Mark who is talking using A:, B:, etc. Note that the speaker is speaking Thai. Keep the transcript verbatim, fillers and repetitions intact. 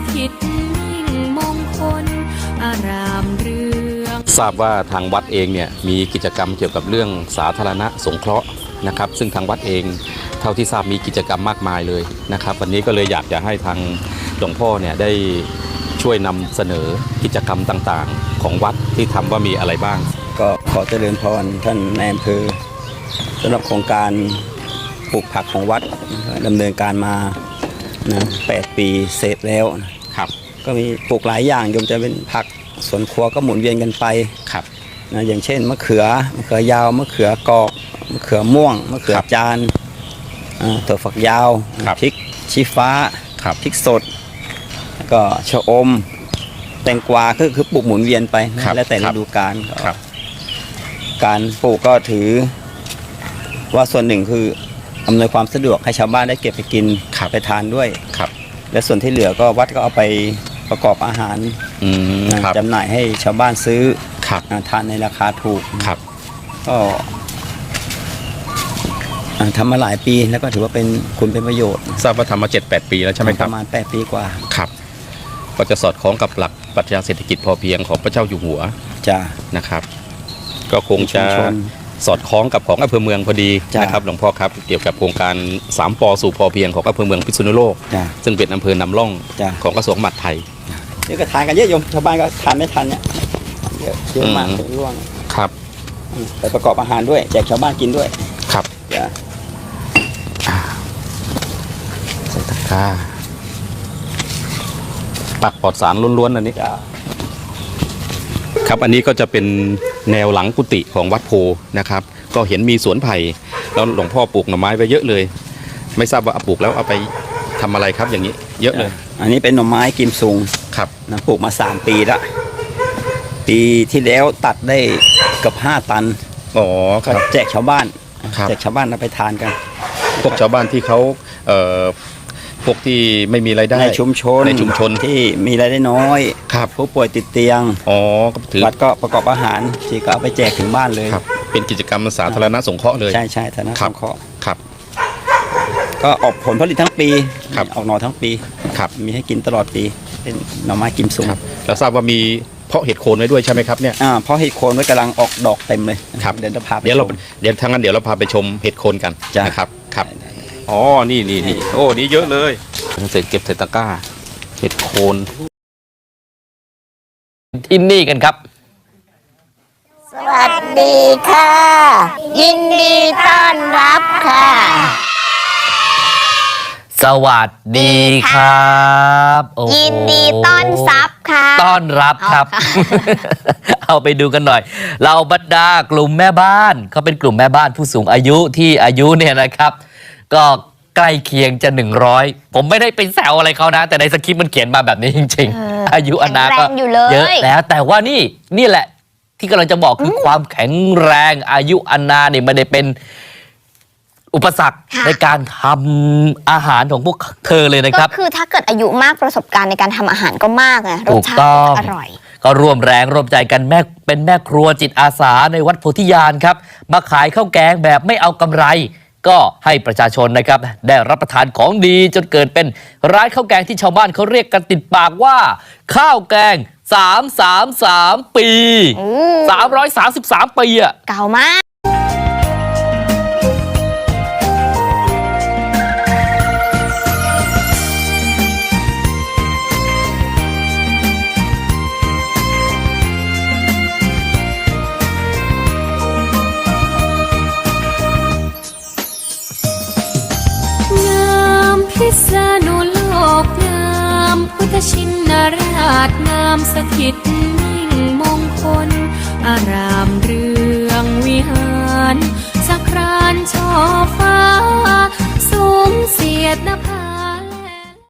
A: ถิตมิ่งมงคลอารามเรือง
B: ทราบว่าทางวัดเองเนี่ยมีกิจกรรมเกี่ยวกับเรื่องสาธารณะสงเคราะห์นะครับซึ่งทางวัดเองเท่าที่ทราบมีกิจกรรมมากมายเลยนะครับวันนี้ก็เลยอยากจะให้ทางหลวงพ่อเนี่ยได้ช่วยนำเสนอกิจกรรมต่างๆของวัดที่ทำว่ามีอะไรบ้าง
C: ก็ขอเจริญพรท่านนายอำเภอสำหรับโครงการปลูกผักของวัดดำเนินการมานะแปดปีเสร็จแล้ว
B: ครับ
C: ก็มีปลูกหลายอย่างโยมจะเป็นผักสวนครัวก็หมุนเวียนกันไป
B: ครับ
C: นะอย่างเช่นมะเขือมะเขือยาวมะเขือกอกมะเขือม่วงมะเขือจานถั่วฝักยาวพริกชี้ฟ้าพริกสดแล้วก็ชะอมแตงกวาคือคือปลูกหมุนเวียนไปแล้วแต่ฤดูกาลการปลูกก็ถือว่าส่วนหนึ่งคืออำนวยความสะดวกให้ชาวบ้านได้เก็บไปกินไปทานด้วยและส่วนที่เหลือก็วัดก็เอาไปประกอบอาหารจำหน่ายให้ชาวบ้านซื้อทานในราคาถูกก็ทำมาหลายปีแล้วก็ถือว่าเป็นคุณเป็นประโยชน์
B: ทราบว่าทำมา เจ็ดแปด ปีแล้วใช่ไหมครับ
C: ประมาณแปดปีกว่า
B: ครับก็จะสอดคล้องกับหลักปรัชญาเศรษฐกิจพอเพียงของพระเจ้าอยู่หัว
C: จ้า
B: นะครับก็คงจะสอดคล้องกับของอำเภอเมืองพอดีนะครับหลวงพ่อครับเกี่ยวกับโครงการสามปอสู่พอเพียงของอำเภอเมืองพิษณุโลกซึ่งเป็นอำเภอนำร่องของกระทรวงมหาดไทย
C: นี่ก็ทานกันเยอะโยมชาวบ้านก็ทานไม่ทันเนี่ยเยอะเยอะมากร่วง
B: ครับ
C: ไปประกอบอาหารด้วยแจกชาวบ้านกินด้วย
B: ครับใส่ตะกร้าปักปลอดสารล้วนๆอันนี้ครับอันนี้ก็จะเป็นแนวหลังกุฏิของวัดโพนะครับก็เห็นมีสวนไผ่แล้วหลวงพ่อปลูกหน่อไม้ไว้เยอะเลยไม่ทราบว่าปลูกแล้วเอาไปทำอะไรครับอย่างนี้เยอะเลย
C: อันนี้เป็นหน่อไม้กิมซุง
B: ครับ
C: นะปลูกมาสามปีละปีที่แล้วตัดได้เกือบห้าตัน
B: อ๋อครับ
C: แจกชาวบ้านแจกชาวบ้านเอาไปทานกัน
B: พวกชาวบ้านที่เขาเอ่อพวกที่ไม่มีรายได้
C: ในชุมชน
B: ในชุมชน
C: ที่มีรายได้น้อย
B: ครับ
C: ผู้ป่วยติดเตียง
B: อ๋อถือ
C: วัดก็ประกอบอาหารที่ก็เอาไปแจกถึงบ้านเลย
B: ครับเป็นกิจกรรมสาธารณสงเคราะห์เลย
C: ใช่ใช่สาธารณสงเคราะห์
B: ครับ
C: ก็ออกผลผลิตทั้งปีออกหน่อทั้งปี
B: ครับ
C: มีให้กินตลอดปีเป็นหน่อไม้กิมซุง
B: แล้วทราบว่ามีเพาะเห็ดโคนไว้ด้วยใช่ไหมครับเนี่ย
C: อ่าเพาะเห็ดโคนไว้กำลังออกดอกเต็มเลย
B: ครับ
C: เดี๋ยวจะพาไป
B: เดี๋ยวเราเดี๋ยวทางนั้นเดี๋ยวเราพาไปชมเห็ดโคนกันนะครับครับอ๋อนี่นี่นี่โอ้นี่เยอะเลยเสร็จเก็บใส่ตะกร้าเห็ดโคน
D: ที่นี่กันครับ
E: สวัสดีค่ะยินดีต้อนรับค่ะ
D: สวัสดีครับ
E: ยินดีต้อนรับค่ะ
D: ต้อนรับครับ เอาไปดูกันหน่อยเราบรรดากลุ่มแม่บ้านเขาเป็นกลุ่มแม่บ้านผู้สูงอายุที่อายุเนี่ยนะครับก็ใกล้เคียงจะหนึ่งร้อยผมไม่ได้ไปแซวอะไรเขานะแต่ในสคริปต์มันเขียนมาแบบนี้จริงๆอายุอานาก็เยอะแล้วแต่ว่านี่นี่แหละที่กำลังจะบอกคือความแข็งแรงอายุอานาเนี่ยไม่ได้เป็นอุปสรรคในการทำอาหารของพวกเธอเลยนะครับ
E: ก็คือถ้าเกิดอายุมากประสบการณ์ในการทำอาหารก็มากนะรสชาติอร่อย
D: ก็ร่วมแรงร่วมใจกันแม่เป็นแม่ครัวจิตอาสาในวัดโพธิญาณครับมาขายข้าวแกงแบบไม่เอากำไรก็ให้ประชาชนนะครับได้รับประทานของดีจนเกิดเป็นร้านข้าวแกงที่ชาวบ้านเขาเรียกกันติดปากว่าข้าวแกงสามสามสามปีสามร้อยสามสิบสามปีอะ
E: เก่ามาก
A: พิษณุโลกงามพุทธชินราชงามสถิตมิ่งมงคลอารามเรืองวิหารสักครานช่อฟ้าสูงเสียดนภา